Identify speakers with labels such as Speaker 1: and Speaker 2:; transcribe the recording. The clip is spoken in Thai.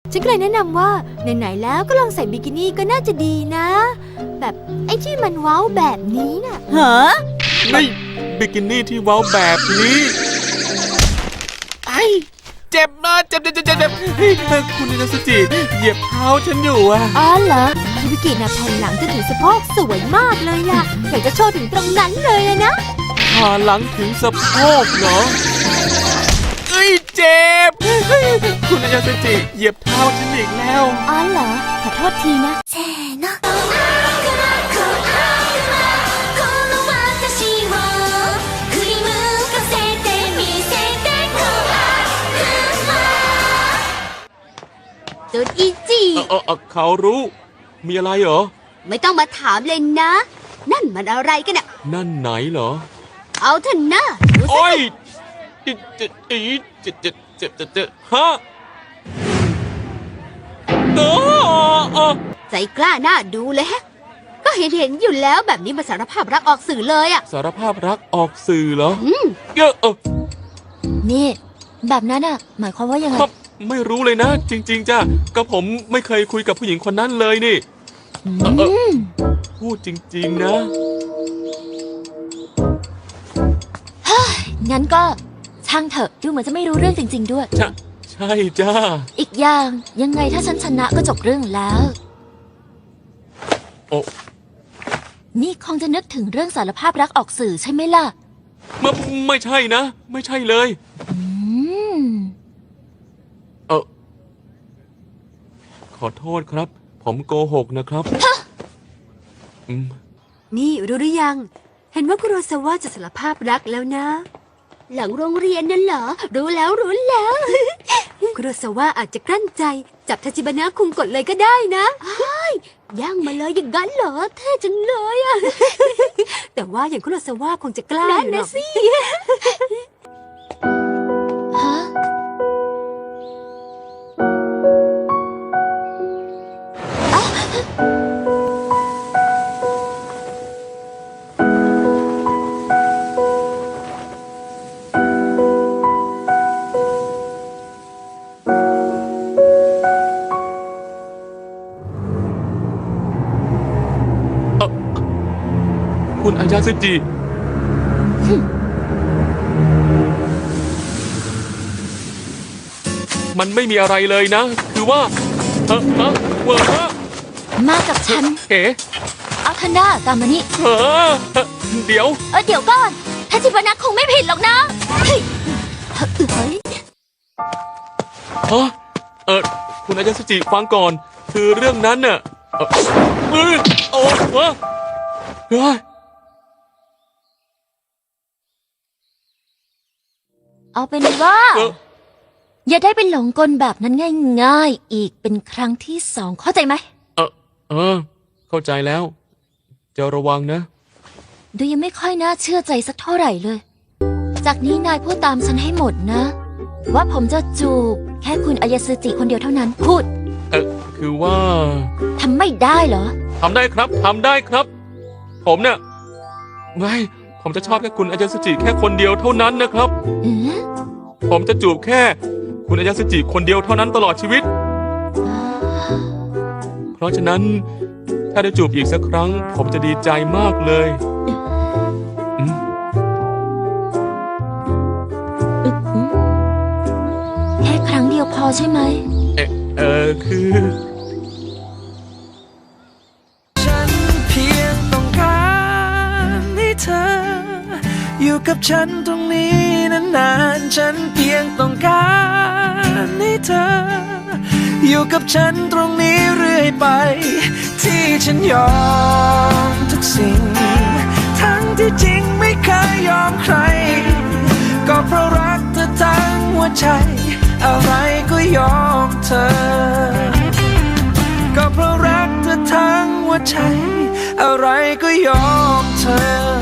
Speaker 1: ฉันก็เลยแนะนำว่าไหนๆแล้วก็ลองใส่บิกินี่ก็น่าจะดีนะแบบไอ้ที่มันเว้าแบบนี้น่ะ
Speaker 2: ฮะ
Speaker 3: ไม่บิกินี่ที่เว้าแบบนี้ไอ้เจ็บนะเจ็บเฮ้ยคุณอินาสจิเหยียบเท้าฉันอยู่อะ
Speaker 1: อ๋อเหรอฮิบิกิน่ะแผ่นหลังจะถึงสะโพกสวยมากเลยอะอยากจะโชว์ถึงตรงนั้นเลยนะ
Speaker 3: ขาหลังถึงสะโพกเหรอเอ้ยเจ็บคุณอินาสจิเหยียบเท้าฉันอีกแล้ว
Speaker 1: อ๋อเหรอขอโทษทีนะเซโน
Speaker 4: ตูดอีจี
Speaker 3: เขารู้มีอะไรเหรอ
Speaker 4: ไม่ต้องมาถามเลยนะนั่นมันอะไรกันน่ะ
Speaker 3: นั่นไหนเหรอ
Speaker 4: เอาเถอะนะ
Speaker 3: โอ้ยเจ็บฮะ
Speaker 4: ใจกล้าหน้าดูเลยฮะก็เห็นอยู่แล้วแบบนี้มาสารภาพรักออกสื่อเลยอะ
Speaker 3: สารภาพรักออกสื่อเหรอ
Speaker 1: นี่แบบนั้นอะหมายความว่ายังไง
Speaker 3: ไม่รู้เลยนะจริงๆจ้ะก็ผมไม่เคยคุยกับผู้หญิงคนนั้นเลยนี่พูดจริงๆนะ
Speaker 1: งั้นก็ช่างเถอะดูเหมือนจะไม่รู้เรื่องจริงๆด้วย
Speaker 3: ใช่จ้า
Speaker 1: อีกอย่างยังไงถ้าฉันชนะก็จบเรื่องแล้ว
Speaker 3: โอ้
Speaker 1: นี่คงจะนึกถึงเรื่องสารภาพรักออกสื่อใช่ไหมล่ะ
Speaker 3: ไม่ใช่นะไม่ใช่เลยขอโทษครับผมโกหกนะครับ
Speaker 1: นี่รู้หรือยังเห็นว่าคุโรซาวะจะสารภาพรักแล้วนะ
Speaker 4: หลังโรงเรียนนั่นเหรอรู้แล้ว
Speaker 1: คุโรซาวะอาจจะกลั้นใจจับทาจิบานะคุงกดเลยก็ได้นะ
Speaker 4: ย่างมาเลยอย่างนั้นเหรอเท่จังเลยอะ
Speaker 1: แต่ว่าอย่างคุโรซาวะคงจะกล้า
Speaker 4: อยู่นะสิ
Speaker 3: คุณอายาสึจิมันไม่มีอะไรเลยนะคือว่า
Speaker 1: มากับฉันเอาทันด้าตามมานี่
Speaker 3: เดี๋ยว
Speaker 1: ก่อนทาจิบานะคงไม่ผิดหรอกนะ
Speaker 3: คุณอายาสึจิฟังก่อนคือเรื่องนั้นน่ะ
Speaker 1: เอาเป็นว่าอย่าได้เป็นหลงกลแบบนั้นง่ายๆอีกเป็นครั้งที่2เข้าใจไหม
Speaker 3: เข้าใจแล้วจะระวังนะ
Speaker 1: ดูยังไม่ค่อยน่าเชื่อใจสักเท่าไหร่เลยจากนี้นายพูดตามฉันให้หมดนะว่าผมจะจูบแค่คุณอายาสึจิคนเดียวเท่านั้นพูด
Speaker 3: คือว่า
Speaker 1: ทำไม่ได้เหรอ
Speaker 3: ทำได้ครับทำได้ครับผมเนี่ยไม่ผมจะชอบแค่คุณอายาสึจิแค่คนเดียวเท่านั้นนะครับผมจะจูบแค่คุณอายาสึจิคนเดียวเท่านั้นตลอดชีวิตเพราะฉะนั้นถ้าได้จูบอีกสักครั้งผมจะดีใจมากเลย
Speaker 1: แค่ครั้งเดียวพอใช่ไหม
Speaker 3: คือ
Speaker 5: อยู่กับฉันตรงนี้นานๆฉันเพียงต้องการให้เธออยู่กับฉันตรงนี้เรื่อยไปที่ฉันยอมทุกสิ่งทั้งที่จริงไม่เคยยอมใครก็เพราะรักเธอทั้งหัวใจอะไรก็ยอมเธอก็เพราะรักเธอทั้งหัวใจอะไรก็ยอมเธอ